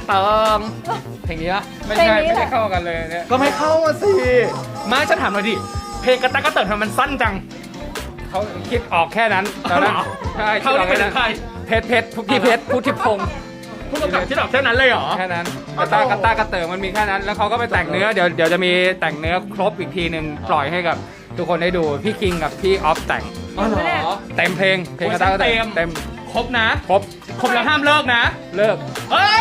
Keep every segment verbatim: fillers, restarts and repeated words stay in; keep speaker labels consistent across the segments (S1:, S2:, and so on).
S1: เติมเพลงนี้ปะ
S2: ไม่ใช่ไม่ได้เข้ากันเลยเนี่ย
S1: ก็ไม่เข้าอะสิมาฉันถามหน่อยดิเพลงกระตักกระเติมทำไมมันสั้นจัง
S2: เขาคิดออกแค่นั้นตอนนั้นใช่
S1: เขา
S2: คิดอ
S1: ได้
S2: อก
S1: เป็
S2: แค่
S1: น
S2: นั้น
S1: ใคร
S2: เพชรเพชรพุทธิเพชรพุทธิพงศ์
S1: ผู้กำกับที่ดอกแค่นั้นเลยเหรอ
S2: แค่นั้นกระตากระตากระเติมมันมีแค่นั้น แล้วเขาก็ไปแต่งเนื้อเดี๋ยวเดี๋ยวจะมีแต่งเนื้อครบอีกทีหนึ่งปล่อยให้กับทุกคนได้ดูพี่คิงกับพี่ออฟแต่ง
S1: อ๋อเหรอ
S2: เต็มเพลงเพลงกระตากระเติม
S1: เต็
S2: เต็
S1: ม
S2: ม
S1: ครบนะ
S2: ครบ
S1: ครบแล้วห้ามเลิกนะ
S2: เลิก
S1: เอ้ย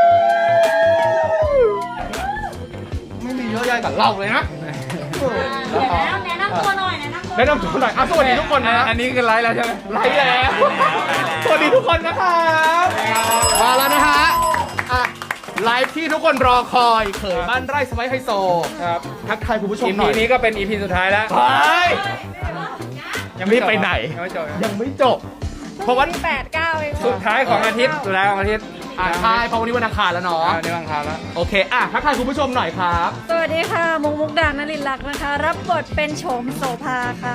S1: ไม่มีเยอะแยะกับเราเลยนะ
S3: เดี๋ยวแนะแนะนำตัวหน่อยแนะนำตัว
S1: แนะนำตัวหน่อยอ่ะสวัสดีทุกคนนะ
S2: อันนี้คือไลฟ์แล้วใช่ไหม
S1: ไลฟ์แล้ว สวัสดีทุกคนนะครับมาแล้วนะฮะอ่ะไลฟ์ที่ทุกคนรอคอยเขยบ้านไร่สไปซ์ไฮโซ
S2: ครับ
S1: ทักทายคุณผู้ชม
S2: อี
S1: หน่
S2: พี
S1: อย
S2: นี้ก็เป็นอีพีสุดท้ายแล้ว
S1: ไป
S2: ยังไม่จบ
S1: รีบไปไหน
S2: ยังไม่จบ
S1: ยังไม่จบ เพราะว่า
S3: แปดเก้าเอง
S2: สุดท้ายของอาทิตย์สุดท้ายของอาทิตย์
S1: อ่ะใช่เพราะวันนี้วันอังคารแล้วเนาะ
S2: อ่านี่บางคราวแล้ว
S1: โอเคอ่ะทักทายคุณผู้ชมหน่อยครับ
S3: สวัสดีค่ะมุกมุกดานลินลักษณ์นะคะ รับบทเป็นโฉมโสภาค่ะ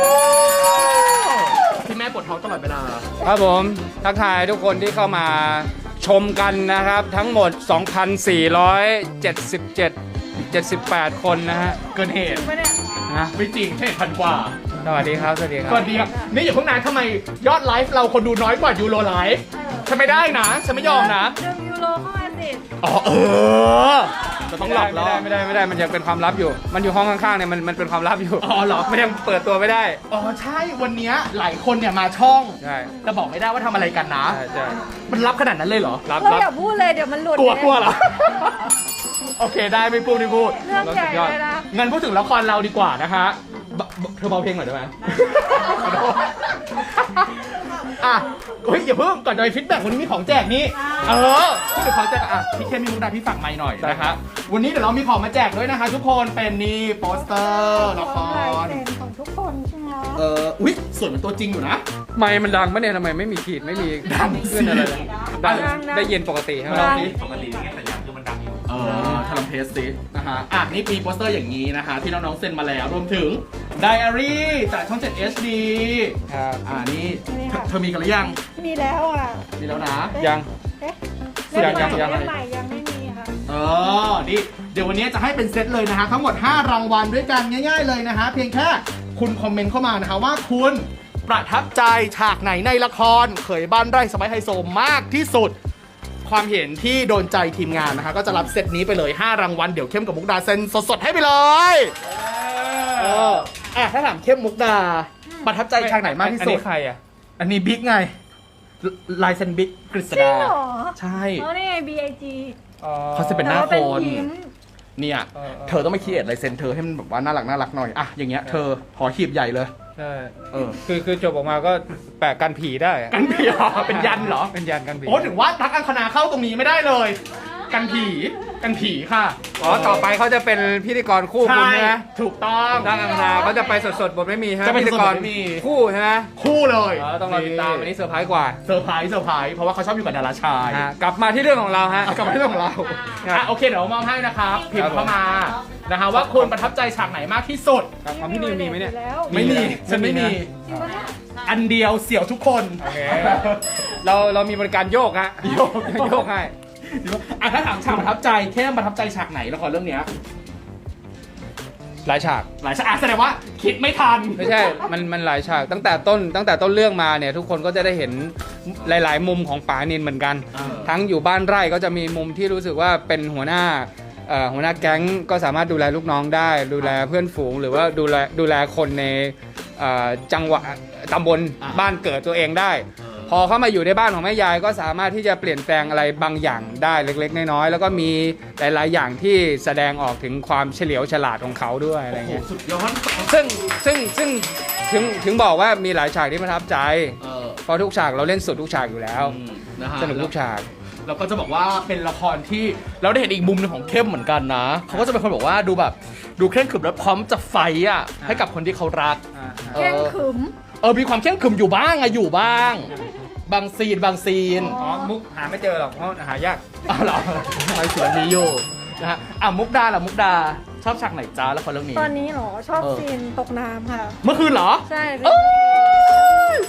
S1: ที่แม่ปวดท้องตลอดเวลา
S2: ครับผมทักทายทุกคนที่เข้ามาชมกันนะครับ ทั้งหมด สองพันสี่ร้อยเจ็ดสิบเจ็ด เจ็ดสิบแปด คนนะฮะ
S1: เกินเหตุ
S3: ไม่ได้
S2: นะ
S1: ไม่จริงแค่พันกว่า
S2: สวัสดีครับ สวัสดีครั
S1: สวัสดีครับนี่อย่าเพิ่งนานทำไมยอดไลฟ์เราคนดูน้อยกว่ายูโรไลฟ์ฉันไม่ได้นะฉันไม่ยอมนะ
S3: ดึงยูโรเข้ามาสิ
S1: อ๋อเออจะต้องหลอก
S2: ไม่
S1: ล่อ
S2: ได้ไม่ได้ไม่ได้ไม่ได้มันยังเป็นความลับอยู่ มันอยู่ห้องข้างๆเนี่ยมันมันเป็นความลับอยู่
S1: อ๋อเหรอ
S2: มันยังเปิดตัวไม่ได้
S1: อ๋อใช่วันเนี้ยหลายคนเนี่ยมาช่อง
S2: ใช่
S1: แต่บอกไม่ได้ว่าทำอะไรกันนะ
S2: ใช่ใช่
S1: มันรับขนาดนั้นเลยเหรอ
S2: รับ
S3: เรา
S2: รับ
S3: อย่าพูดเลยเดี๋ยวมันหลุด
S1: กลัว
S3: นี่ย
S1: กลัวเหรอ โอเคได้ไม่พูดไม่พูด
S3: เรื่องใหญ่เลยนะ
S1: งั้นพูดถึงละครเราดีกว่านะคะบะเธอเบาเพลงหน่อยได้ไหม อ่ะเฮ้ยอย่าเพิ่งก่อนจะไปฟีดแบ็กวันนี้มีของแจกนี่เออพูดถึงของแจกอ่ะพี่เคมีมุกดาพี่ฝากไมค์หน่อยนะคะวันนี้เดี๋ยวเรามีของมาแจกด้วยนะคะทุกคนเป็นนี่โปสเตอร์ละค
S3: ลาย
S1: ร
S3: เซ็นของทุกคนใช่ไหม
S1: เอออุ๊ยสวยเหมือนตัวจริงอยู่นะ
S2: ไมค์มันดังปะเนี่ยทำไมไม่มีขีดไม่มี
S1: ดัง
S2: ขึ้นอะไรเลย
S1: สิ
S2: ดังได้ยินปกติใช่ไหม
S1: ลองดิ
S4: ปกติเนี่ยแต่ยังคือมันดังอยู่
S1: เออทำเทสสินะฮะอ่ะนี่ปีโปสเตอร์อย่างนี้นะคะที่น้องๆเซ็นมาแล้วรวมถึงไดอารี่จากช่อง เจ็ด เอช ดี
S2: ครับ
S1: อ่านี่เธอเธอมีกันหรือยัง
S3: มีแล้วอ่ะ
S1: มีแล้วนะ
S2: ยัง
S3: เอ๊ะ
S2: ยังยังยัง
S3: เล่มใหม่ยังไม่มีค่ะ
S1: เออนี่เดี๋ยววันนี้จะให้เป็นเซตเลยนะฮะทั้งหมดห้ารางวัลด้วยกันง่ายๆเลยนะฮะเพียงแค่คุณคอมเมนต์เข้ามานะคะว่าคุณประทับใจฉากไหนในละครเขยบ้านไร่สไปซ์ไฮโซมากที่สุด ความเห็นที่โดนใจทีมงานนะคะก็จะรับเซตนี้ไปเลยห้ารางวัลเดี๋ยวเข้มกับมุกดาเซ็นสดๆให้ไปเลยเอออ่ะถ้าถามเข้มมุกดาประทับใจฉากไหนมากที่
S2: อัน
S1: สุด
S2: นี้ใครอ่ะ
S1: อันนี้บิ๊กไงลายเซ็นบิ๊กกฤษ
S3: จริง
S1: ดา
S3: เหรอ
S1: ใช่
S3: อ๋อนี่ไง บี ไอ จี
S2: อ๋อ
S1: เขาจะเป็นหน้า
S3: แล้วเป็น
S1: คน
S3: ยิ้ม
S1: เนี่ย
S2: เออเออ
S1: เธอต้องไปคิดลายเซ็นเธอให้มันแบบว่าน่ารักน่ารักหน่อยอ่ะอย่างเงี้ยเธอหอหีบใหญ่เลย
S2: ใช่
S1: เออ
S2: คือคือจบออกมาก็แปะกันผีได้อะ
S1: กันผีเหรอเป็นยันเหรอ
S2: เป็นยันกันผี
S1: โอ้ถึงว่าทักอังคณาเข้าตรงนี้ไม่ได้เลย กันผีกันผีค่ะ
S2: อ๋อต่อไปเขาจะเป็นพิธีกรคู่คุณใช่ไหม
S1: ถูกต้อง
S2: ดังอังคณาเขาจะไปสดๆบทไม่มีใช่ไหม
S1: จะเป็น
S2: พิธีกร
S1: สดๆไม่มี
S2: คู่ใช่ไหม
S1: คู่เลย
S2: อ๋อต้องรอติดตามอันนี้เซอร์ไพรส์กว่า
S1: เซอร์ไพรส์เซอร์ไพรส์เพราะว่าเขาชอบอยู่กับดาราชาย
S2: ฮะกลับมาที่เรื่องของเราฮะ
S1: อ่ะกลับมาที่เรื่องของเรา
S2: ครับ
S1: อ่ะโอเคเดี๋ยวมอบให้นะครับพิม
S2: ครับ
S1: พ์เข้ามานะคะว่าคุณประทับใจฉากไหนมากที่สุด
S2: ครับของพี่นิวมีไหมเนี่ย
S3: แล้ว
S1: ไม่มีฉันไม่มี
S3: จริงปะเนี่ย
S1: อันเดียวเสี่ยวทุกคน
S2: โอเค เราเรามีบริการโยกฮะ
S1: โยก
S2: โยกให้
S1: อ่ะถ้าถามฉากประทับใจแค่ประทับใจฉากไหนละครเรื่องเนี้ย
S2: หลายฉาก
S1: หลายฉากอ่ะแสดงว่าคิดไม่ทัน
S2: ไม่ใช่ มันมันหลายฉาก ตั้งแต่ต้นตั้งแต่ต้นเรื่องมาเนี่ยทุกคนก็จะได้เห็นหลาย ๆ มุมของป๋านินเหมือนกัน
S1: เออ
S2: ทั้งอยู่บ้านไร่ก็จะมีมุมที่รู้สึกว่าเป็นหัวหน้าเอ่อหัวหน้าแก๊งก็สามารถดูแลลูกน้องได้ ดูแลเพื่อนฝูง หรือว่าดูแลดูแลคนในเอ่อจังหวะตำบลบ้านเกิดตัวเองได้ พอเข้ามาอยู่ในบ้านของแม่ยายก็สามารถที่จะเปลี่ยนแปลงอะไรบางอย่างได้เล็ก ๆ น้อยๆแล้วก็มีหลาย ๆ อย่างที่แสดงออกถึงความเฉลียวฉลาดของเขาด้วยอะไร
S1: โอ้โห
S2: เงี้ย
S1: สุดยอด
S2: ซึ่งซึ่งซึ่งถึงถึงบอกว่ามีหลายฉากที่ประทับใจ
S1: เออ
S2: เพราะทุกฉากเราเล่นสุดทุกฉากอยู่แล้ว
S1: อืมนะฮะ
S2: สนุกทุกฉาก
S1: แล้วก็จะบอกว่าเป็นละครที่เราได้เห็นอีกมุมหนึงของเข้มเหมือนกันนะเขาก็จะเป็นคนบอกว่าดูแบบดูเคร่งขรึมแล้วพร้อมจะไฟต์อ่ะให้กับคนที่เขารัก
S3: แข้งขึม
S1: เออมีความเคร่งขรึมอยู่บ้างอะอยู่บ้าง บางซีนบางซีน
S2: อ๋อ มุกหาไม่เจอหรอกเพราะหายาก
S1: อ้าวเหรอทำไมสวนนี้อยู่นะฮะอ่ะมุกดาล่ะมุกดาชอบฉากไหนจ้าละครเรื่องนี้
S3: ตอนนี้เหรอ ชอบ
S1: เออ
S3: ซีนตกน้ำค่ะ
S1: เมื่อคืนเหรอ
S3: ใช่
S1: เอ้ย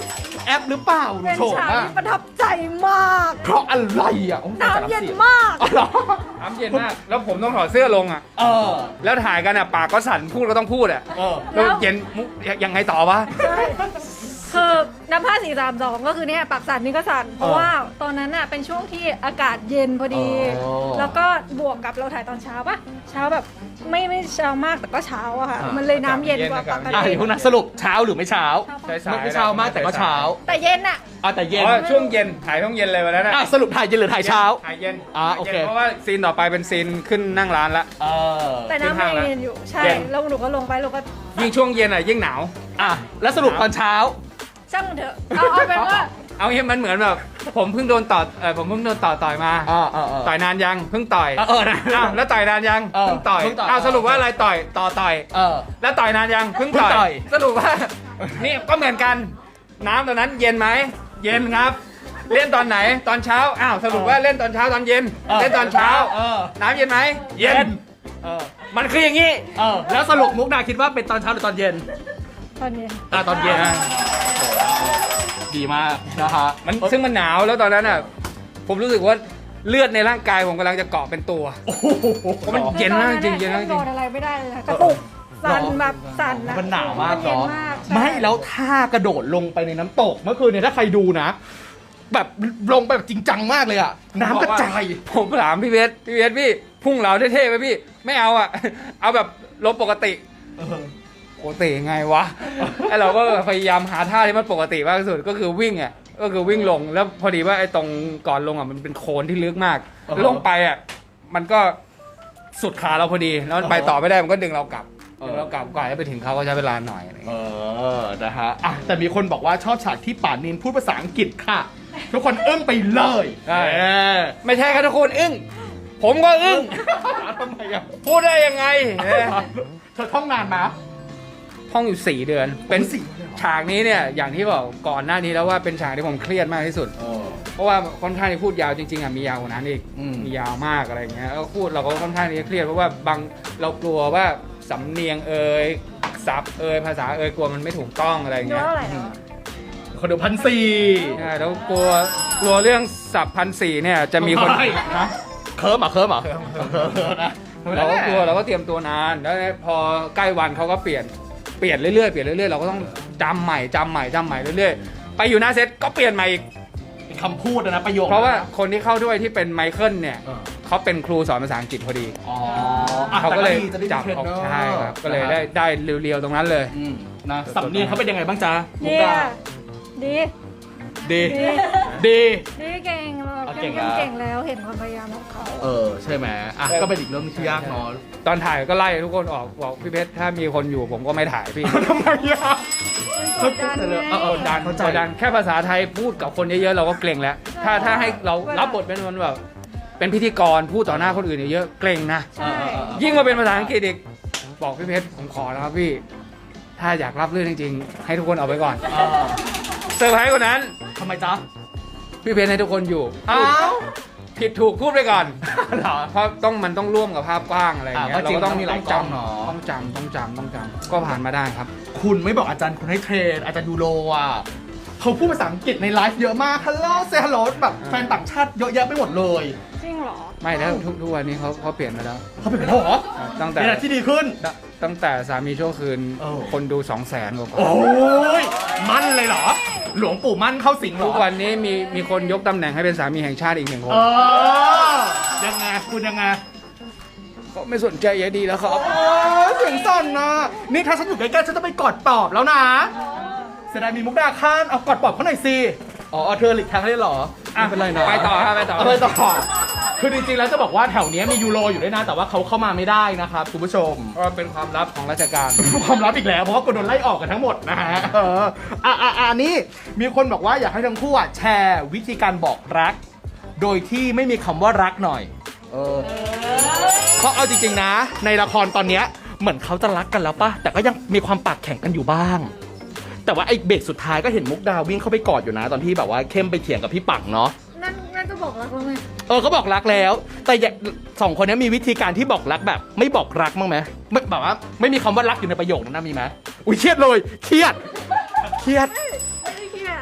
S1: แอปหรือเปล่า
S3: เป็น
S1: โฉม
S3: ฉาก
S1: อะ
S3: ที่ประทับใจมาก
S1: เพราะอะไรอ่ะโอ้โห
S3: น้ำเย็นมาก
S1: อ๋อเหรอ
S2: น้ำเย็นมาก แล้วผมต้องถอดเสื้อลงอ่ะ
S1: เออ
S2: แล้วถ่ายกันอ่ะปากก็สั่นพูดก็ต้องพูดอ่ะ
S1: เออ
S2: แล้วเย็นมุกยังไงต่อวะ
S3: ใช่คือน้ำผ้าสี่สามสองก็คือเนี่ยปากสั่นนี่ก็สั่นเพราะว่าตอนนั้นน่ะเป็นช่วงที่อากาศเย็นพอดี
S1: อ๋อ
S3: แล้วก็บวกกับเราถ่ายตอนเช้าปะเช้าแบบไม่ไม่เช้ามากแต่ก็เช้าอะค่ะ
S1: อ่ามั
S3: มันเลยน้ำเย็นกว่า
S2: เย็น
S3: ป
S2: อาก
S3: ก
S2: าศ
S1: อ่ะ
S3: ติ
S1: เดี๋ยวพวกนั้นสรุปเช้าหรือไม่เช้า
S2: ใช่สาย
S1: ไม่เช้ามากแต่ก็เช้า
S3: แต่เย็นอะ
S1: อ่ะแต่เย็น
S2: อ๋อช่วงเย็นถ่ายช่วงเย็นเลยวันนั้น
S1: อ่ะสรุปถ่ายเย็นหรือถ่ายเช้า
S2: ถ่ายเย็น
S1: อ่า
S2: ถ่ายย็น
S1: โอเค
S2: เพราะว่าซีนต่อไปเป็นซีนขึ้นนั่งร้านละ
S1: เออ
S3: แต่น้ำไม่เย็นอยู่ใช่
S2: เย็น
S3: แล้วหนูก็ลงไปเราก็
S2: ยิ่งช่วงเย็นอ่ะยิ่งหนาว
S1: อ่ะแล้วสรุปตอนเช้า
S3: ช่างมันเถอะเอาเอาเป็นว่า
S2: เอางี้มันเหมือนแบบผมเพิ่งโดนต่อเออผมเพิ่งโดนต่อต่อยมา
S1: อ่าอ่าอ่า
S2: ต่อยนานยังเพิ่งต่อย
S1: เออเออนะ
S2: อ้าวแล้วต่อยนานยัง
S1: เออ
S2: เพิ่งต่อย
S1: เพิ่งต่อย
S2: อ้าวสรุปว่าอะไรต่อยต่อต่อย
S1: เออ
S2: แล้วต่อยนานยังเพิ่ง
S1: เพิ่งต่
S2: ต่
S1: อ
S2: อย ยสรุปว่า นี่ก็เหมือนกันน้ำตอนนั้นเย็นไหมเย็นครับ เล่นตอนไหนตอนเช้าอ้าวสรุปว่าเล่นตอนเช้าตอนเย็น
S1: เออ
S2: เล่นตอนเช้า
S1: เออ
S2: น้ำเย็นไหม
S1: เย็น เออ
S2: มันคืออย่างนี้
S1: เออแล้วสรุปมุกดาคิดว่าเป็นตอนเช้าหรือตอนเย็น
S3: ตอนเย็น
S1: อ่ะตอนเย็น
S2: อ่า
S1: ดีมากนะฮะ
S2: มันซึ่งมันหนาวแล้วตอนนั้นอ่ะผมรู้สึกว่าเลือดในร่างกายผมกำลังจะเกาะเป็นตัว
S1: โอ้โห
S2: เพราะมัน เย็นมากจริงๆเย็นมากจริง
S3: โดนอะไรไม่ได้เลยนะกระตุกสั่นแบบสั่นนะ
S1: มันหนาวมาก
S3: เย็น
S1: เนาะ
S3: มากใช่
S1: ไม่แล้วท่ากระโดดลงไปในน้ำตกเมื่อคืนเนี่ยถ้าใครดูนะ แบบลงไปแบบจริงจังมากเลยอะน้ำกระจาย
S2: ผมถามพี่เวสพี่เวสพี่พุ่งเหลาเท่ๆไปพี่ไม่เอาอ่ะ เอาแบบลบปกติ
S1: เออ
S2: ปกติไงวะ ไอเราก็พยายามหาท่าที่มันปกติมากที่สุดก็คือวิ่งอ่ะก็คือวิ่งลงแล้วพอดีว่าไอ้ตรงก่อนลงอ่ะมันเป็นโคลนที่ลึกมาก
S1: อ่าฮะ
S2: ลงไปอ่ะมันก็สุดขาเราพอดีแล้วมันไปต่อไม่ได้มันก็ดึงเรากลับ
S1: เออ
S2: ดึงเรากลับก่อนให้ไปถึงเขาก็ใช้เวลาหน่อยอะไรอย่าง
S1: เอ
S2: เงี้ย
S1: อ นะฮะอ่ะแต่มีคนบอกว่าชอบฉากที่ป่านินพูดภาษาอังกฤษค่ะ ทุกคนอึ้งไปเลย
S2: ใช่
S1: เออ
S2: ไม่ใช่ครับทุกคนอึ้งผมก็อึ้ง
S1: ทำไมอ่ะ
S2: พูดได้ยังไงเอ๊ะ
S1: เธอท่องนานมา
S2: ท่องอยู่สี่เดือน เป็น
S1: สี่เดือนเลยเหรอ
S2: ฉากนี้เนี่ยอย่างที่บอกก่อนหน้านี้แล้วว่าเป็นฉากที่ผมเครียดมากที่สุด
S1: เออ
S2: เพราะว่าค่อนข้างที่พูดยาวจริงๆอ่ะมียาวกว่านั้นอีก
S1: อืม
S2: มียาวมากอะไรอย่างเงี้ยแล้วพูดเราก็ค่อนข้างที่จะเครียดเพราะว่าบางเรากลัวว่าสำเนียงเอ่ยศัพท์เอ่ยภาษาเอ่ยกลัวมันไม่ถูกต้องอะไรอย่าง
S3: ดู
S2: เงี้ย
S3: เท่าไหร่แล้วอะ
S1: คนดูพันสี่
S2: ใช่แล้วกลัวกลัวเรื่องศัพท์พันสี่เนี่ยจะมีคน
S1: ไม่
S2: นะ
S1: เคิร์มเหรอ่ะเคิร์มเหรอ่ะนะ
S2: เราก็กลัวเราก็เตรียมตัวนานแล้วพอใกล้วันเขาก็เปลี่ยนเปลี่ยนเรื่อยๆเปลี่ยนเรื่อยๆเราก็ต้องจำใหม่จำใหม่จำใหม่เรื่อยๆไปอยู่หน้าเซตก็เปลี่ยนใหม่อีก
S1: เป็นคำพูดนะประโยค
S2: เพราะว่าคนที่เข้าด้วยที่เป็นไมเคิลเนี่ย
S1: เออ
S2: เขาเป็นครูสอนภาษาอังกฤษพอดี
S1: อ๋ออ่ะ
S2: เขาก็เลย
S1: แต่ดี
S2: จับ
S1: จะได้
S2: ออก
S1: มีเทรนเนอร์
S2: ใช่ครับก็เลย
S1: นะฮะ
S2: ได้ได้เรียวๆตรงนั้นเลย
S1: อืมนะสำเนียงเขาเป็นยังไงบ้างจ๊ะมุก
S3: เยี่ย
S1: ดา
S3: ดี
S1: ดี
S3: ดี
S1: ดี
S3: ดีเก่งเรา
S1: เอา
S3: เข้
S1: เก่
S3: ม
S1: ง
S3: เข้ม
S1: แล้ว
S3: เก่งแล้วเห็นความพยายามของเขา
S1: เออ ใช่ไหมอ่ะ
S2: ใช่
S1: ก็เป็นอีกเรื่องที่ยากเนาะ
S2: ตอนถ่ายก็ไล่ทุกคนออกบอกพี่เพชรถ้ามีคนอยู่ผมก็ไม่ถ่ายพี่
S1: ทำไมอ่ะ
S3: กดดันไง
S1: เออเออ
S2: ดัน
S1: เข้าใจ
S2: กดดันแค่ภาษาไทยพูดกับคนเยอะๆเราก็เกรงแล้ว ถ้าถ้าให้เรารับบทเป็นคนแบบเป็นพิธีกรพูดต่อหน้าคนอื่นเยอะๆเกรงนะ
S3: ใช่
S2: ยิ่งมาเป็นภาษาอังกฤษอีกบอกพี่เพชรผมขอแล้วครับพี่ ถ้าอยากรับเรื่องจริงๆ ให้ทุกคนเอาไปก่อน
S1: เออ
S2: เซอร์ไพรส์กว่านั้น
S1: ทำไมจ๊ะ
S2: พี่เพชรให้ทุกคนอยู่
S1: อ้าว
S2: ผิดถูกพูดไปก่อน
S1: เหรอ
S2: เพราะต้องมันต้องร่วมกับภาพกว้างอะไรอย่างเงี้ย
S1: อ่ะก็จริง
S2: เราก็ต้อง
S1: ต้องมีหลาย
S2: จ
S1: กล้องเนอะ
S2: ำต้องจำต้องจำต้องจำก็ผ่านมาได้ครับ
S1: คุณไม่บอกอาจารย์คุณให้เทรน อาจารย์ยูโรอ่ะเขาพูดภาษาอังกฤษในไลฟ์เยอะมากฮัลโหลเซฮัลโหลแบบแฟนต่างชาติเยอะแยะไปหมดเลย
S3: จริงเหรอ
S2: ไม่แล้วทุกทุกวันนี้เขาเขาเปลี่ยนมาแล้ว
S1: เขาเป็นไปแล้วเหรอ
S2: ตั้งแต่
S1: เนี่ยที่ดีขึ้น
S2: ตตั้งแต่สามีชั่วคืน
S1: เออ
S2: คนดูสองแสนกว่า
S1: โอ้ยมั่นเลยเหรอ หลวงปู่มั่นเข้าสิงเหร
S2: ทุ
S1: อ
S2: กวันนี้มีมีคนยกตำแหน่งให้เป็นสามีแห่งชาติอีกหนึ่งคน
S1: เออยังไงคุณยังไง
S2: ก็ไม่สนใจยายดีแล้วครับ
S1: โอ้ยเสียงสั่นนะนี่ถ้าฉันอยู่ใกล้ๆฉันจะไปกอดปอบแล้วนะเสียดายมีมุกดาข้านเอากอดปอบเขาหน่อยสิอ๋อเธอหลีกทางให้เหรอไม่เป็นไรเนาะ
S2: ไปต่อครับไปต่อ
S1: เอาไปต่อคือจริงๆแล้วจะบอกว่าแถวเนี้ยมียูโรอยู่ด้วยนะ แต่ว่าเขาเข้ามาไม่ได้นะครับคุณผู้ชม
S2: เพราะว่าเป็นความลับของราชการ
S1: ความลับอีกแล้วเพราะว่ากูโดนไล่ออกกันทั้งหมดนะฮะเอออ่ะอ่ะอ่ะอันนี้มีคนบอกว่าอยากให้ทั้งคู่อ่ะแชร์วิธีการบอกรัก โดยที่ไม่มีคำว่ารักหน่อย เออเพราะเอาจริงๆนะ ในละครตอนเนี้ยเหมือนเขาจะรักกันแล้วป่ะแต่ก็ยังมีความปากแข็งกันอยู่บ้าง แต่ว่าไอ้เบรกสุดท้ายก็เห็นมุกดาวิ่งเข้าไปกอดอยู่นะ ตอนที่แบบว่าเข้มไปเถียงกับพี่ปังเนาะ
S3: นั่นนั่นจะบอกรักเราไหม
S1: เออเขาบอกรักแล้ว แต่อย่าสองคนนี้มีวิธีการที่บอกรักแบบ ไม่บอกรักมั้างไหมไม่แบบว่าไม่มีคำว่ารักอยู่ในประโยคนั้นนะมีไหมอุ้ยเครียดเลยเครียดเครียด
S3: ไม่ได้เครียดถ้าเป็น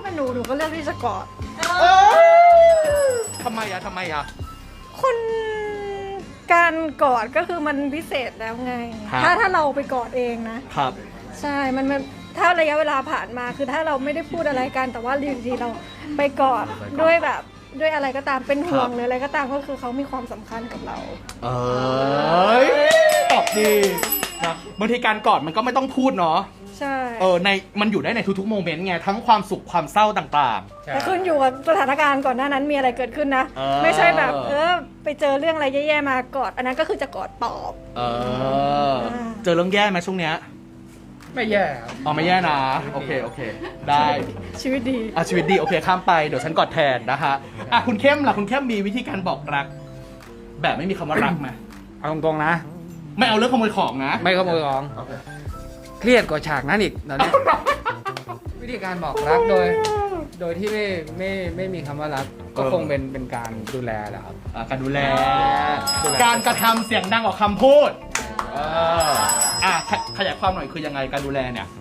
S3: าหนูหนูก็เลือกที่จะกอด
S1: เอ้ยทำไมอะทำไมอะ
S3: คนการกอดก็คือมันพิเศษแล้วไง
S1: ครับ
S3: ถ้าถ้าเราไปกอดเองนะ
S1: ครับ
S3: ใช่ มันมันถ้าระยะเวลาผ่านมาคือถ้าเราไม่ได้พูดอะไรกัน แต่ว่าอยู่ดีๆเราไปกอดด้วยแบบด้วยอะไรก็ตามเป็นห่วงหรืออะไรก็ตามก็คือเขามีความสำคัญกับเรา
S1: เอ้ยตอบดีนะบางทีการกอดมันก็ไม่ต้องพูดเนาะ
S3: ใช่
S1: เออในมันอยู่ได้ในทุกๆโมเมนต์ไงทั้งความสุขความเศร้าต่าง
S3: แต่ขึ้นอยู่กับสถานการณ์ก่อนหน้านั้นมีอะไรเกิดขึ้นนะ
S1: เออ
S3: ไม่ใช่แบบเออไปเจอเรื่องอะไรแย่ๆมากอด อันนั้นก็คือจะกอดปลอบ
S1: ๆ เออ เจอเรื่องแย่ไหมช่วงเนี้ย
S2: ไม่แย่ครับ
S1: อ๋อไม่แย่นะ โอเค โอเค ได้
S3: ชีวิตดี
S1: อ่ะชีวิตดี โอเค ข้ามไป เดี๋ยวฉันกอดแทนนะฮะอ่ะคุณเข้มล่ะ คุณเข้มมีวิธีการบอกรัก แบบไม่มีคำว่ารักไหม
S2: เอาตรงๆนะ
S1: ไม่เอาเรื่องขโมยของนะ
S2: ไม่ขโมยของเครียดกว่าฉากนั้นอีกตอนนี้ วิธีการบอกรักโดย โดยที่ไม่ไม่ไม่มีคำว่ารัก ก็คงเป็นเป็นการดูแลแหละครับ
S1: อ่ะการดูแล
S2: ดูแล
S1: การกระทำเสียงดังกว่าคำพูดเอออ่ะขขยายความหน่อยคือยังไงการดูแลเนี่ย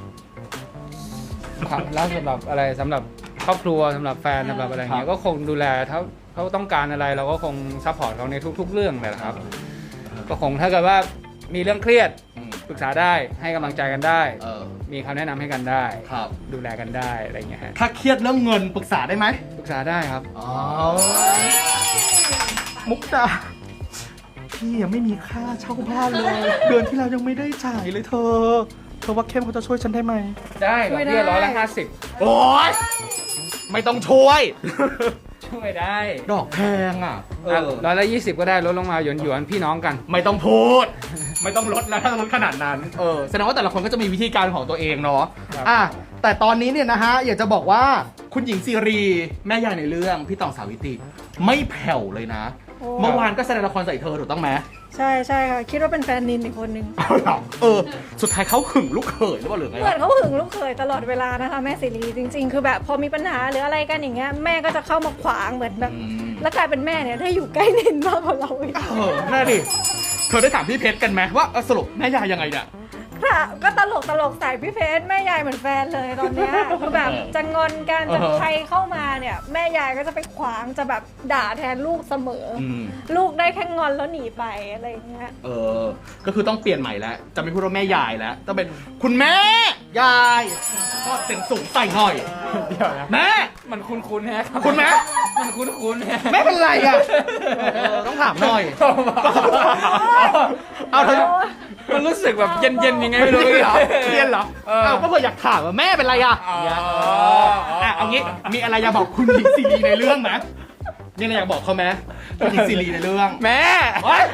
S2: ความรักสำหรับอะไรสำหรับครอบครัวสำหรับแฟนสำหรับอะไรเงี้
S1: ครั
S2: ย
S1: บ
S2: ก็คงดูแลเขาเขาต้องการอะไรเราก็คงซัพพอร์ตเขาในทุก ๆ เรื่องเลยนะครับ ก็คงถ้าเกิดว่ามีเรื่องเครียด
S1: อืม
S2: ปรึกษาได้ให้กำลังใจกันได้
S1: เออ
S2: มีคำแนะนำให้กันได้
S1: ครับ
S2: ดูแลกันได้อะไรเงี้ยฮะ
S1: ถ้าเครียดเรื่องเงินปรึกษาได้ไหม
S2: ปรึกษาได้ครับ
S1: อ๋อ มุกดาพี่ยังไม่มีค่าเช่าบ้านเลย เดือนที่แล้วยังไม่ได้จ่ายเลยเธอ เธอว่าเข้มเขาจะช่วยฉันได้ไหม
S2: ได้ดอกเบี้ยร้อยละห้าสิบ
S1: โอ๊ย ไม่ต้องช่วย
S2: ช่วยได้
S1: ดอกแพงอ่ะ เออ
S2: ร้อยละยี่สิบก็ได้ลดลงมาหยวนหยวนๆพี่น้องกัน
S1: ไม่ต้องพูด ไม่ต้องลดแล้วถ้าลดขนาดนั้น เออ แสดงว่าแต่ละคนก็จะมีวิธีการของตัวเองเนาะ
S2: ครับ
S1: อ่ะ แต่ตอนนี้เนี่ยนะฮะ อยากจะบอกว่าคุณหญิงซีรี แม่ยายในเรื่องพี่ต่องสาวิตรีไม่แผ่วเลยนะ
S3: โอ้
S1: เมื่อวานก็แสดงละครใส่เธอถูกต้องไหม
S3: ใช่ใช่ค่ะ คิดว่าเป็นแฟนนินอีกคนนึง
S1: เอาเหรอเออ สุดท้ายเขาหึงลูกเขยหรือเปล่าหรือไง
S3: เหมือน
S1: วะ
S3: เขาหึงลูกเขยตลอดเวลานะคะแม่สิรีจริง ๆ คือแบบพอมีปัญหาหรืออะไรกันอย่างเงี้ยแม่ก็จะเข้ามาขวางเหมือนแบบ
S1: อืม
S3: แล้วกลายเป็นแม่เนี่ยได้อยู่ใกล้นินมากกว่าเราอีก
S1: เออน่าดิ เธอได้ถามพี่เพชรกันไหมว่าเออสรุปแม่ยายยังไงเนี่ย
S3: ค่ะก็ตลกตลกใส่พี่เพชรแม่ยายเหมือนแฟนเลยตอนเนี้ยคือแบบจะงอนกันจะ
S1: เออ
S3: ใครเข้ามาเนี่ยแม่ยายก็จะไปขวางจะแบบด่าแทนลูกเสมออ
S1: อืม
S3: ลูกได้แค่งอนแล้วหนีไปอะไรอย่างเงี้ย
S1: เออ ก็คือต้องเปลี่ยนใหม่แล้ว จะไม่พูดว่าแม่ยายแล้ว ต้องเป็นคุณแม่ ยาย ก็เสียงสูงใส่หน่อย
S2: เดี๋ยวนะ
S1: แม่
S2: มันคุ้นๆแฮะ
S1: คุณแม่
S2: มันคุ้นๆแฮะ
S1: แม่เป็นไรอ่ะเออต้องถามหน่อย เอาเธอ
S2: มันรู้สึกแบบเย็นๆยังไงไม่รู้
S1: เหรอเรียนเหรอ
S2: เออ
S1: เอาก็เผื่ออยากถามว่าแม่เป็นไรอ่ะ
S2: อ๋อ
S1: เนี่ยเอออ่ะเอางี้ มีอะไรอยากบอกคุณหญิงซีรีในเรื่องไหมมีอะไรอยากบอกเขาไหมคุณหญิงซีรีในเรื่อง
S2: แม่
S1: เฮ้ย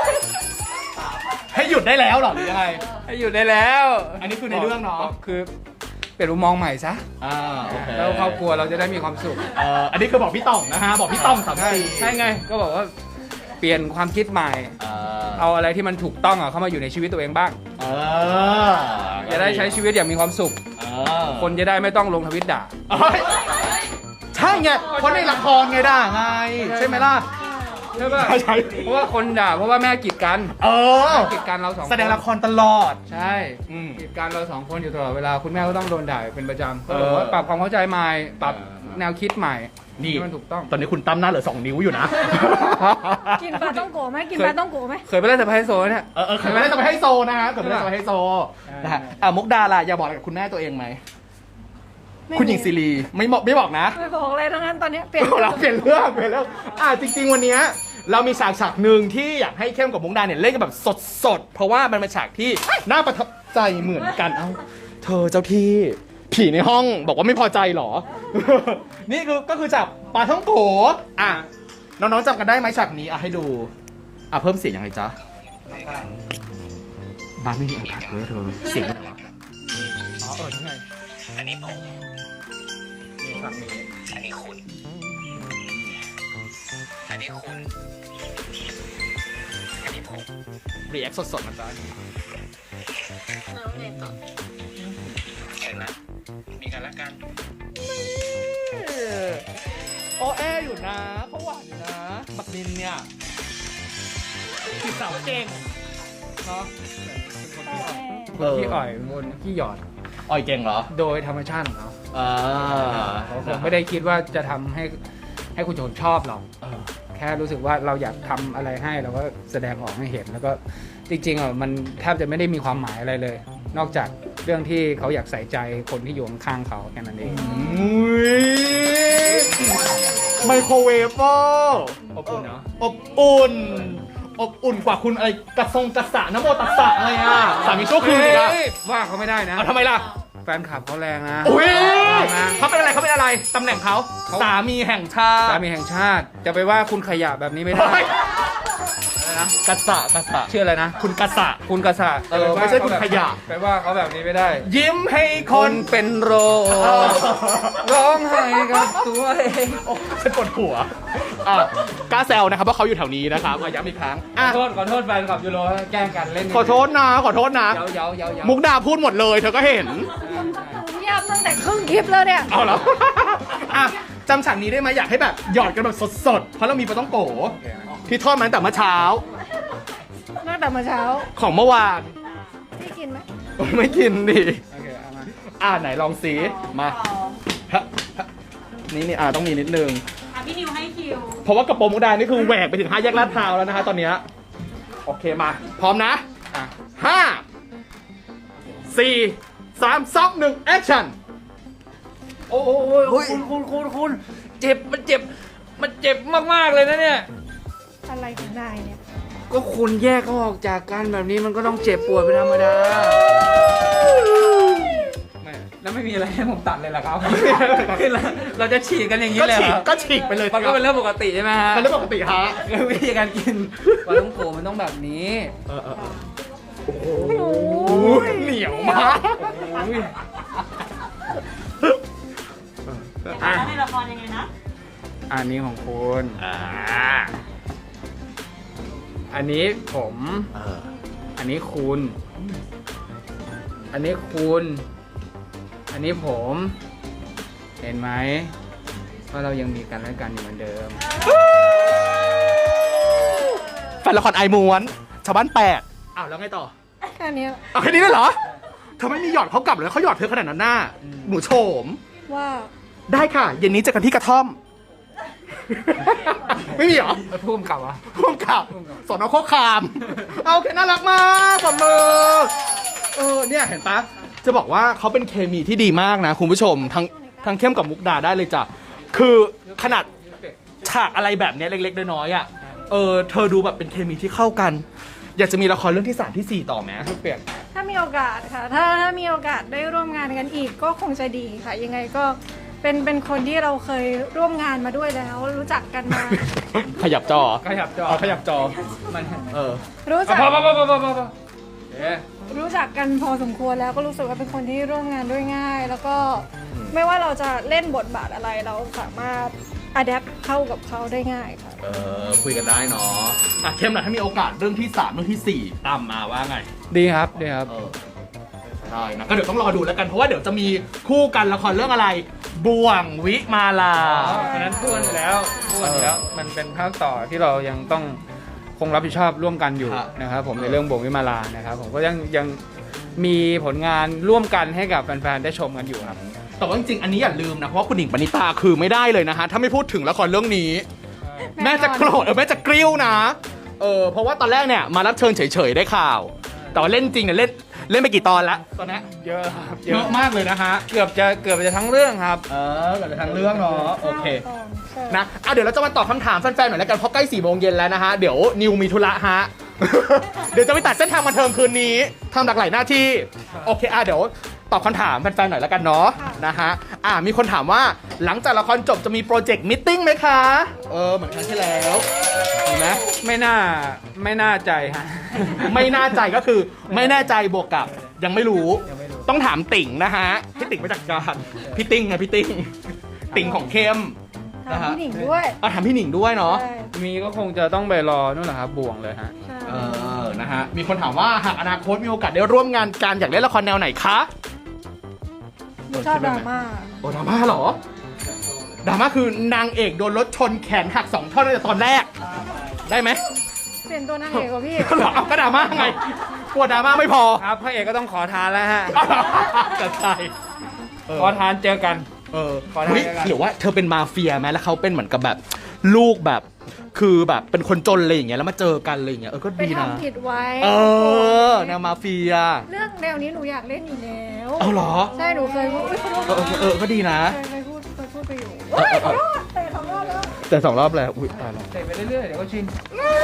S1: ให้หยุดได้แล้วเหรอหรือยังไง
S2: ให้อยู่ได้แล้ว
S1: อันนี้คือในเรื่องเนาะ
S2: คือเปลี่ยนมุมมองใหม่ซะ
S1: อ่าโอเค
S2: แล้วครอบครัวเราจะได้มีความสุข
S1: เอ่ออันนี้คือบอกพี่ต่องนะฮะ บอกพี่ต่องสาม
S2: ใช่
S1: สี่
S2: ใช่ไง ก็บอกว่าเปลี่ยนความคิดใหม่
S1: เออ
S2: เอาอะไรที่มันถูกต้องอะเข้ามาอยู่ในชีวิตตัวเองบ้าง
S1: เออ
S2: จะได้ใช้ชีวิตอย่างมีความสุข
S1: เออ
S2: คนจะได้ไม่ต้องลงทวิตด่า
S1: เอ้ยใช่ไงเพราะในละครไงด่าไง ใช่ไหมล่ะ
S2: ใช่ป่ะ
S1: ใช่ใช่
S2: เพราะว่าคนด่าเพราะว่าแม่กีดกัน
S1: เออ
S2: กีดกันเราสองคน
S1: แสดงละครตลอด
S2: ใช่
S1: อืม
S2: กีดกันเราสองคนอยู่ตลอดเวลาคุณแม่ก็ต้องโดนด่าเป็นประจำ
S1: เอ
S2: ก็
S1: อ
S2: บอกว่าปรับความเข้าใจใหม่ปรับ
S1: เออ
S2: แนวคิดใหม่
S1: นี่
S2: ให้มันถูกต้อง
S1: ตอนนี้คุณตั้มหน้าเหลือสองนิ้วอยู่นะ
S3: กินปลาต้องโกะไหมกินปลาต้องโกะไหม
S2: เคยไปเล่นสไปซ์โซนเนี่ย
S1: เออเออเคยไม่ได้จะไปให้โซนะฮะเคยไม่ได้จะไปให้โซนะฮะอ่ะมุกดาล่ะอยากบอกอะไรกับคุณแม่ตัวเองไหม คุณหญิงซีรีไม่บอกไม่บอกนะ
S3: ไม่บอกอะไรทั้งนั้นตอนเนี้ยเปลี่ยน
S1: เราเปลี่ยนเรื่องเปลี่ยนเรื่องอ่ะจริง ๆ วันเนี้ยเรามีฉากฉากหนึ่งที่อยากให้เข้มกับมุกดาเนี่ยเล่นกันแบบสดๆ เพราะว่ามันเป็นฉากที่น่าประทับใจเหมือนกัน เอ้า เธอเจ้าที่ผีในห้องบอกว่าไม่พอใจเหรอ นี่คือก็คือจากปลาท่องโกอ่ะน้องๆจำกันได้ไหมฉากนี้อ่ะให้ดู อ่ะเพิ่มเสียงยังไงจ๊ะบ้านไม่มีอากาศเลยเธอเสียงอะไรวะอ๋อเออยังไง
S4: อันนี้ผม
S1: นี่ฉากนี้
S4: อันนี้คุณ อันนี้คุณ อันนี้ผม
S1: รีแอคสดๆนะจ๊ะ
S4: เห็นไหมมีกันและกัน
S1: โอแออยู่นะเขาหวานอยู่นะ บักนินเนี่ยจีบสาวเก่งเนาะ
S2: ขี้อ่อยบนขี้หยอด
S1: อ่อยเก่งเหรอ
S2: โดยธรรมชาติของเขา
S1: อเออ
S2: เขาคงไม่ได้คิดว่าจะทำให้ให้คุณโจนชอบเรา
S1: เออ
S2: แค่รู้สึกว่าเราอยากทำอะไรให้เราก็แสดงออกให้เห็นแล้วก็จริงๆอ่ะมันแทบจะไม่ได้มีความหมายอะไรเลย นอกจากเรื่องที่เขาอยากใส่ใจคนที่อยู่ข้างๆเขาแค่นั้นเอง
S1: อุ๊ยไมโครเวฟเวอร์
S2: อบอุ่นเนาะ
S1: อบอุ่น อบอุ่นกว่าคุณอะไรกระทรงกระสะน้ำโมตัสสะอะไรอ่ะสามีชั่วคืนอีกอ่ะ
S2: เฮ้ยว่าเขาไม่ได้นะ
S1: เอาทำไมล่ะ
S2: แฟนคลับเขาแรงนะ
S1: อุ้ย
S2: นะ
S1: เขาเป็นอะไรเขาเป็นอะไรตำแหน่งเขา
S2: เขา
S1: สามีแห่งชาติ
S2: สามีแห่งชาติ จะไปว่าคุณขยะแบบนี้ไม่ได้
S1: เฮ้ย
S2: อะไรนะ
S1: กระสะกระสะ
S2: ชื่ออะไรนะ
S1: คุณกระสะ
S2: คุณกษัตริย์
S1: เออไม่ใช่คุณขยะ
S2: ไปว่าเขาแบบนี้ไม่ได้
S1: ยิ้มให้ค
S2: คน นเป็นโรค
S1: เออ
S2: ร้องไห้กับตัวเอง
S1: โอ้ฉันปวดหัวอ่ะกล้าแซวนะครับว่าเขาอยู่แถวนี้นะครับอ่ะย้ำอีกครั้ง
S2: ข
S1: อ่ะ
S2: อโทษขอโทษแฟนคลับยูโรแกล้งกันเล่น
S1: ขอโทษนะขอโทษนะ
S2: เย้าเย้าเย้าเย้า
S1: มุกดาพูดหมดเลยเธอก็เห็น
S3: เงียบตั้งแต่ครึ่งคลิปแล้วเนี่ย
S1: เอาแล้ว อ่ะจำฉากนี้ได้ไหมอยากให้แบบหยอดกันแบบสดๆ เพราะเรามีปลาต้องโกที่ทอดมาตั้งแต่เมื่อเช้า
S3: ตั้งแต่เมื่อเช้า
S1: ของเมื่อวาน
S3: พี่กินไหม
S1: ไม่กินดิ
S2: โอเคเอามา
S1: อ่ะไหนลองสีมาฮะฮะนี่นี่อ่ะต้องมีนิดนึง
S5: อ่ะพี่นิวให้คิว
S1: เพราะว่ากระโปรงมุกดานี่คือแหวกไปถึงห้าแยกลาดพร้าวแล้วนะฮะตอนเนี้ยโอเคมา พร้อมนะ
S2: อ่ะ
S1: ห้าสี่สามสองหนึ่งแอคชั่น
S2: โอ้โหคุณคุณคุณคุณเจ็บมันเจ็บมันเจ็บมากๆเลยนะเนี่ย
S3: อะไรของนายเนี่ย
S2: ก็คุณแยกเขาออกจากกันแบบนี้มันก็ต้องเจ็บปวดเป็นธรรมดาไม่แล้วไม่มีอะไรให้ผมตัดเลยเหรอครับ คือเราเราจะฉีกกันอย่างนี้
S1: ก็
S2: เลย
S1: ฉี
S2: เห
S1: ก
S2: รอ
S1: ก็ฉีกไปเลย
S2: มันก็เป็นเรื่องปกติใช่ไหมฮะ
S1: เป็นเรื่องปกติฮะ
S2: คือวิธีการกินปลาท่องโกมันต้องแบบนี้
S1: เออเออเออ
S3: โอ้
S1: โอ้ยเหนียวมาก
S2: โอ้ย
S5: อ่ะแล้วในละครยังไงนะ
S2: อันนี้ของคุณ
S1: อ่า
S2: อันนี้ผม
S1: เออ
S2: อันนี้คุณ อันนี้คุณ อันนี้ผม เห็นไหมว่าเรายังมีกันและกันอยู่เหมือนเดิม
S1: แฟนละครไอม้วนชาวบ้านแปดอ้าวแล้วไงต่อ
S3: แค่เนี้ย
S1: เอาแค่นี้เลยเหรอเธอไม่มีหยอดเขากลับเลยเขาหยอดเธอขนาดนั้นหน้าหนูโฉม
S3: ว่า
S1: ได้ค่ะ เย็นนี้เจอกันที่กระท่อม ไม่มีเหรอ
S2: พุ่มกลับวะ
S1: ร่วมกับสอนอโคกคาม เอาโอเคน่ารักมากปรบมือเออเนี่ยเห็นปะจะบอกว่าเขาเป็นเคมีที่ดีมากนะคุณผู้ชมทั้งทั้งเข้มกับมุกดาได้เลยจ้ะคือขนาดฉากอะไรแบบเนี้ยเล็กๆน้อยๆอ่ะเออเธอดูแบบเป็นเคมีที่เข้ากัน อยากจะมีละครเรื่องที่สามที่สี่ต่อไหม
S2: เปลี่ยน
S3: ถ้ามีโอกาสค่ะ ถ้าถ้ามีโอกาสได้ร่วมงานกันอีกก็คงจะดีค่ะ ยังไงก็เป็นเป็นคนที่เราเคยร่วมงานมาด้วยแล้ว รู้จักกันมา
S1: ขยับจอ
S2: ขยับจอ
S1: เอาขยับจอ
S2: มัน
S1: เออ
S3: รู้
S2: พ
S3: จัก
S2: อพอพอพอพอพอพอเอ๊ะ
S3: รู้จักกันพอสมควรแล้วก็รู้สึกว่าเป็นคนที่ร่วมงานด้วยง่าย แล้วก็ไม่ว่าเราจะเล่นบทบาทอะไรเราสามารถอัดแอปเข้ากับเขาได้ง่ายค่ะ
S1: เออคุยกันได้เนาะอ่ะเข้มหน่อยถ้ามีโอกาสเรื่องที่สามเรื่องที่สี่ตามมาว่าไง
S2: ดีครับดีครับ
S1: เออได้นะก็เดี๋ยวต้องรอดูแล้วกันเพราะว่าเดี๋ยวจะมีคู่กันละครเรื่องอะไรบ่วงวิมาลา
S2: อันนั้นพูดอยู่แล้วพูดอยู่แล้ว มันเป็นภาคต่อที่เรายังต้องคงรับผิดชอบร่วมกันอยู่
S1: ครับ
S2: นะครับผมในเรื่องบ่งวิมาลานะครับผมก็ยังยังมีผลงานร่วมกันให้กับแฟนๆได้ชมกันอยู่ครับ
S1: แต่ว่าจริงๆอันนี้อย่าลืมนะเพราะว่าคุณหญิงปณิตาคือไม่ได้เลยนะฮะถ้าไม่พูดถึงละครเรื่องนี้ แม่จะโกรธเออแม่จะกริ้วนะเออเพราะว่าตอนแรกเนี่ยมารับเชิญเฉยๆได้ข่าว แต่ว่าเล่นจริงเนี่ยเล่นเล่นไปกี่ตอนแล้วตอนนี้
S2: เยอะครับ
S1: เยอะมากเลยนะฮะ
S2: เกือบจะเกือบจะทั้งเรื่องครับ
S1: เออเกิดทางเรื่องเนาะโอเค
S3: ใช่
S1: นะอ่ะเดี๋ยวเราจะมาตอบคำถามแฟนๆหน่อยแล้วกันเพราะใกล้สี่โมงเย็นแล้วนะฮะ เดี๋ยวนิวมีธุระฮะ เดี๋ยวจะไปตัดเส้นทางบันเทิงคืนนี้ทำหลากหลายหน้าที่ โอเคอ่ะเดี๋ยวตอบคำถามแฟนๆหน่อยแล้วกันเนาะนะฮะ อ่ะมีคนถามว่าหลังจากละครจบจะมีโปรเจกต์มิทติ้งไหมคะ เออเหมือนครั้งที่แล้วมีไหม
S2: ไม่น่าไม่น่าใจฮะ
S1: ไม่น่าใจก็คือไม่แน่ใจบวกกับยังไม่รู้
S2: ยังไม่รู้
S1: ต้องถามติ่งนะฮะพี่ติ่งมาจากการพี่ติ้งไงพี่ติ้งติ่งของเข้ม
S3: ถามพี่หนิงด้วย
S1: เอาถามพี่หนิงด้วยเนาะ
S3: ใช่
S2: มีก็คงจะต้องไปรอนู่นแหละครับบ่วงเลยฮะ
S3: ใช่
S1: เออ นะฮะ มีคนถามว่าหากอนาคตมีโอกาสได้ร่วมงานกันอยากเล่นละครแนวไหนคะ
S3: หนูชอบดราม่า
S1: โอ้ดราม่าเหรอ ดราม่าคือนางเอกโดนรถชนแขนหักสองท่อนตั้งแต่ตอนแรก ได้ไหม
S3: เปลี่ยนตัวนางเอกกว่าพี่
S1: เหรอเอาก็ดราม่าไง กลัวดราม่าไม่พอ
S2: ครับพระเอกก็ต้องขอทานแล้วฮะ
S1: จะใช่เออ
S2: ขอทานเจอกัน
S1: เออ
S2: ขอทาน
S1: เฮ้ย
S2: แล้วกัน
S1: หรือว่าเธอเป็นมาเฟียไหมแล้วเขาเป็นเหมือนกับแบบลูกแบบคือแบบเป็นคนจนอะไรอย่างเงี้ยแล้วมาเจอกันอะไรอย่างเงี้ยเออก็
S3: ไป
S1: ดีนะ
S3: ทำผิดไว้
S1: เออแนวมาเฟีย
S3: เรื่องแนวนี้หนูอยากเล่นอยู่แล้ว
S1: เอาเหรอ
S3: ใช่หนูเคยพูดอุ๊ยขอโทษ
S1: เออเออเออก็ดีนะ
S3: เคยเคยพูดเคยพูดไปอยู่
S1: เออเออเออ
S3: ขอโทษแต่สองรอบแล้ว
S1: แต่สองรอบแล้วอุ้ยตายแล้ว
S2: เตะไปเรื่อยๆเดี๋ยวก็ชิน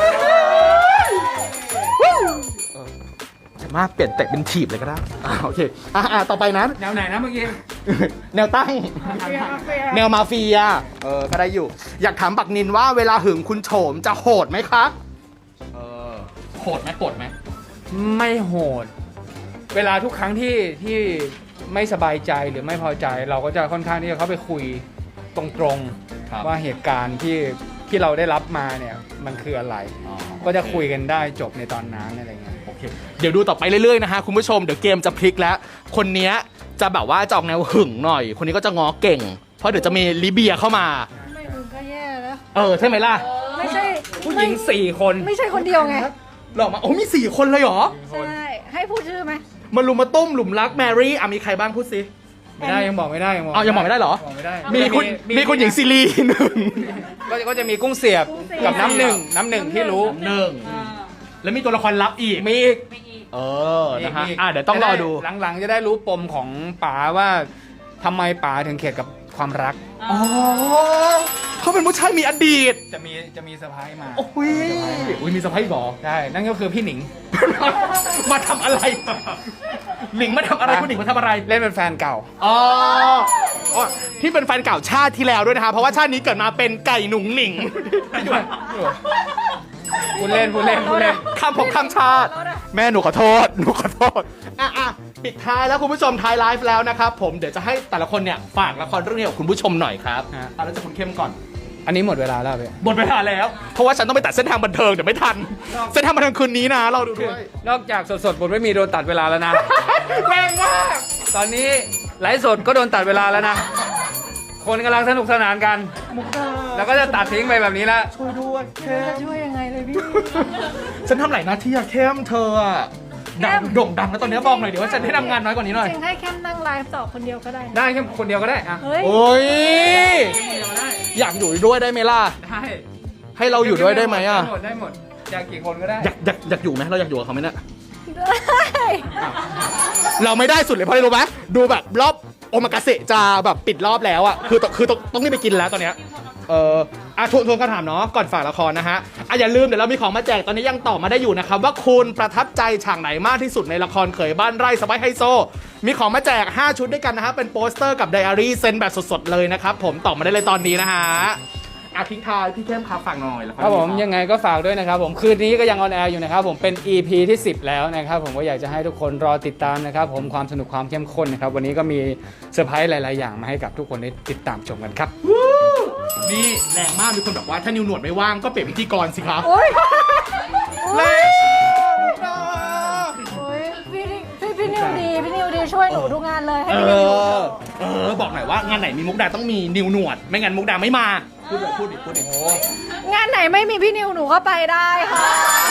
S1: จะมากเปลี่ยนเตะเป็นถีบเลยก็ได้อ่าโอเคอ่ะอ่ะต่อไปนั้น
S2: แนวไหนนะเมื่อกี้
S1: แนวตั้ง แนวมาเฟีย เออ ก็ได้อยู่ อยากถามปักนินว่าเวลาหึงคุณโฉมจะโหดไหมคะ เออ โหดไหมโหดไหม
S2: ไม่โหด เวลาทุกครั้งที่ที่ไม่สบายใจหรือไม่พอใจ เราก็จะค่อนข้างที่จะเข้าไปคุยตรงๆว่าเหตุการณ์ที่ที่เราได้รับมาเนี่ยมันคืออะไร
S1: อ๋อ
S2: ก็จะคุยกันได้จบในตอนนั้นอะไรเงี้ย
S1: โอเค เดี๋ยวดูต่อไปเรื่อยๆนะฮะคุณผู้ชม เดี๋ยวเกมจะพลิกแล้ว คนเนี้ยจะแบบว่าจะออกแนวหึงหน่อย คนนี้ก็จะง้อเก่ง เพราะเดี๋ยวจะมีลิเบียเข้ามา
S3: ไม่ถึงก็แย่แล้ว
S1: เออ ใช่ไหมล่ะ
S3: ไม่ใช่
S2: ผู้หญิงสี่คน
S3: ไม่ใช่คนเดียวไง
S1: หลอกมา โอ้มีสี่คนเลยเหรอ
S3: ใช่ ให้พูดชื่อไหม
S1: มาลุมมาตุ้มหลุมรักแมรี่อ่ะมีใครบ้างพูดสิ
S2: ไม่ได้ยังบอกไม่ได้ยังบอก
S1: เอายังบอกไม่ได้เหรอ
S2: บอกไม่ได้
S1: มีคุณมีคุณหญิงซีรีหนึ่ง
S2: ก็ก็จะมีกุ้งเสียบกับน้ำหนึ่งน้ำหนึ่งที่รู้
S1: หนึ่ง
S5: อ่า
S1: แล้วมีตัวละครลับอีก
S2: มีอีก
S5: ไม่อีก
S1: เออ นะฮะ
S2: มีก
S1: อ่ะเดี๋ยวต้องรอดู
S2: หลังๆจะได้รู้ปมของป๋าว่าทำไมป๋าถึงเข็ดกับความรัก
S1: อ๋อเขาเป็นผู้ชายมีอดีต
S2: จะมีจะมีเซอร์ไพรส์มา
S1: โอ้ยอุ้ยมีสะพ้ายบอ
S2: ใช่นั่นก็คือพี่หนิง
S1: มาทำอะไร หนิงมาทำอะไรคุณหนิงมาทำอะไร
S2: เล่นเป็นแฟนเก่า
S1: อ๋ออ๋อที่เป็นแฟนเก่าชาติที่แล้วด้วยนะคะเพราะว่าชาตินี้เกิดมาเป็นไก่หนุ่งหนิง
S2: พูดเล่นพูดเล่นพูดเล่น
S1: ข้ามภพข้ามชาติ แม่หนูขอโทษ หนูขอโทษ อ่ะอ่ะปิดท้ายแล้วคุณผู้ชมท้ายไลฟ์แล้วนะครับผมเดี๋ยวจะให้แต่ละคนเนี่ยฝากละครเรื่องนี้กับคุณผู้ชมหน่อยครับ
S2: ฮะ
S1: เอาแล้วจะคุณเข้มก่อน
S2: อันนี้หมดเวลาแล้วพี่
S1: หมดเวลาแล้ว เพราะว่าฉันต้องไปตัดเส้นทางบันเทิงเดี๋ยวไม่ทัน เส้นทางบันเทิงคืนนี้นะเราดูด้วย
S2: นอกจากสดๆบทไม่มีโดนตัดเวลาแล้วนะ
S1: แรงมาก
S2: ตอนนี้ไลฟ์สดก็โดนตัดเวลาแล้วนะ คนกำลังสนุกสนานกัน
S1: มุกดา
S2: แล้วก็จะตัดทิ้งไปแบบนี้แล้ว
S1: ช่วยด้วยเข้
S3: จะ
S1: ม
S3: ช่วยยังไงเลยพี่
S1: ฉันทำหลายหน้าที่อะเข้มเธออะดังโด่งดังแล้วตอนนี้บอกหน่อยเดี๋ยวว่าฉันได้ทำงานน้อยกว่านี้หน่อย
S3: จริงให้แค่นั่งไลฟ์ต่อคนเดียวก็ได้นะ
S2: ได้แค่คนเดียวก็ได้อะ
S3: เฮ้ย
S1: โอ้ย
S2: คนเดียวก็ได้
S1: อยากอยู่ด้วยได้ไหมล่ะ
S2: ได้
S1: ให้เราอยู่ด้วยได้ไหมอะ
S2: ได้หมดได้หมดอยากกี่คนก็ได้
S1: อยากอยากอยากอยู่ไหมเราอยากอยู่กับเขาไหมเนี่ย
S3: ได้
S1: เราไม่ได้สุดเลยเพราะอะไรรู้ไหมดูแบบรอบโอมากาเสะจะแบบปิดรอบแล้วอะคือต้องคือต้องต้องรีบไปกินแล้วตอนเนี้ยเอออ่ะทวนทวนคำถามเนาะก่อนฝากละครนะฮะอ่ะอย่าลืมเดี๋ยวเรามีของมาแจกตอนนี้ยังตอบมาได้อยู่นะครับว่าคุณประทับใจฉากไหนมากที่สุดในละครเขยบ้านไร่สไปไฮโซ มีของมาแจกห้าชุดด้วยกันนะฮะเป็นโปสเตอร์กับไดอารี่เซ็นแบบสดๆเลยนะครับผมตอบมาได้เลยตอนนี้นะฮะอ่ะทิ้งท้ายพี่เข้มครับฝากหน่อยละคร
S2: ครับผมยังไงก็ฝากด้วยนะครับผมคืนนี้ก็ยังออนแอร์อยู่นะครับผมเป็น อี พี ที่สิบแล้วนะครับผมก็อยากจะให้ทุกคนรอติดตามนะครับผมความสนุกความเข้มข้นนะครับวันนี้ก็มีเซอร์ไพรส์หลาย ๆ อย่างมาให้กับทุกคนได้ติดตามชมกันครับ
S1: นี่แรงมากมีคนบอกว่าถ้านิวหนวดไม่ว่างก็เปลี่ยนพิธีกรสิครับ
S3: โอ๊ย
S1: แรง
S3: โอ๊ยพี่พี่พี่นิวดี พี่นิวดีช่วยหนูทุกงานเลยให้
S1: เอ
S3: พี่นิว
S1: อเออบอกหน่อยว่างานไหนมีมุกดาต้องมีนิวหนวด ไม่งั้นมุกดาไม่มาพูดเลยพูดดิพูดดิ
S3: งานไหนไม่มีพี่นิวหนูก็ไปได้ค่ะ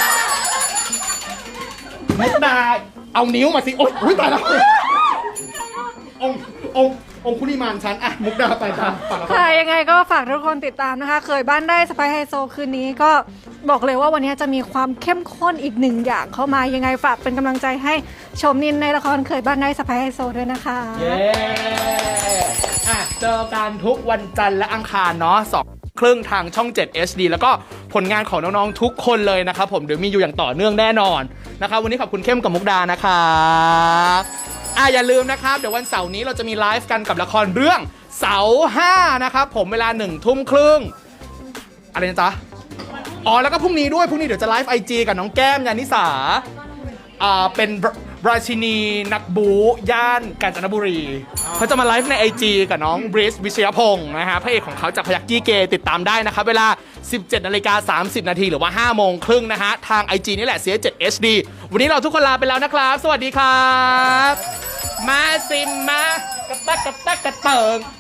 S1: มุกดาเอานิ้วมาสิโอ๊ยอุ๊ยตายแล้วองค์องค์องคุลิมานฉันอะมุกดาไปตามฝากละคร
S3: ค่ะยังไงก็ฝากทุกคนติดตามนะคะ เคยบ้านได้สไปไฮโซคืนนี้ก็บอกเลยว่าวันนี้จะมีความเข้มข้นอีกหนึ่งอย่างเข้ามายังไงฝากเป็นกำลังใจให้ชมนินในละครเคยบ้านได้สไปไฮโซด้วยนะคะ
S1: เย้อ่ะเจอกันทุกวันจันทร์และอังคารเนาะสองครึ่งทางช่อง เจ็ด เอช ดี แล้วก็ผลงานของน้องๆทุกคนเลยนะครับผมเดี๋ยวมีอยู่อย่างต่อเนื่องแน่นอนนะครับวันนี้ขอบคุณเข้มกับมุกดานะครับอ่ะอย่าลืมนะครับเดี๋ยววันเสาร์นี้เราจะมีไลฟ์กันกับละครเรื่องเสาห้านะครับผมเวลาหนึ่งทุ่มครึ่งอะไรนะจ๊ะอ๋อแล้วก็พรุ่งนี้ด้วยพรุ่งนี้เดี๋ยวจะไลฟ์ไอจีกับน้องแก้มยานิสาอ่าเป็นราชินีนักบูย่านกาญจนบุรีเขาจะมาไลฟ์ใน ไอ จี กับน้องบริสวิชยพงศ์นะฮะพระเอกของเขาจากพยักกี้เกย์ติดตามได้นะครับเวลา สิบเจ็ดนาฬิกาสามสิบนาทีหรือว่าห้าโมงครึ่งนะฮะทาง ไอ จี นี่แหละ ซี เอช เจ็ด เอช ดี วันนี้เราทุกคนลาไปแล้วนะครับ สวัสดีครับ มาซิมมากระตักกระตักกระเติง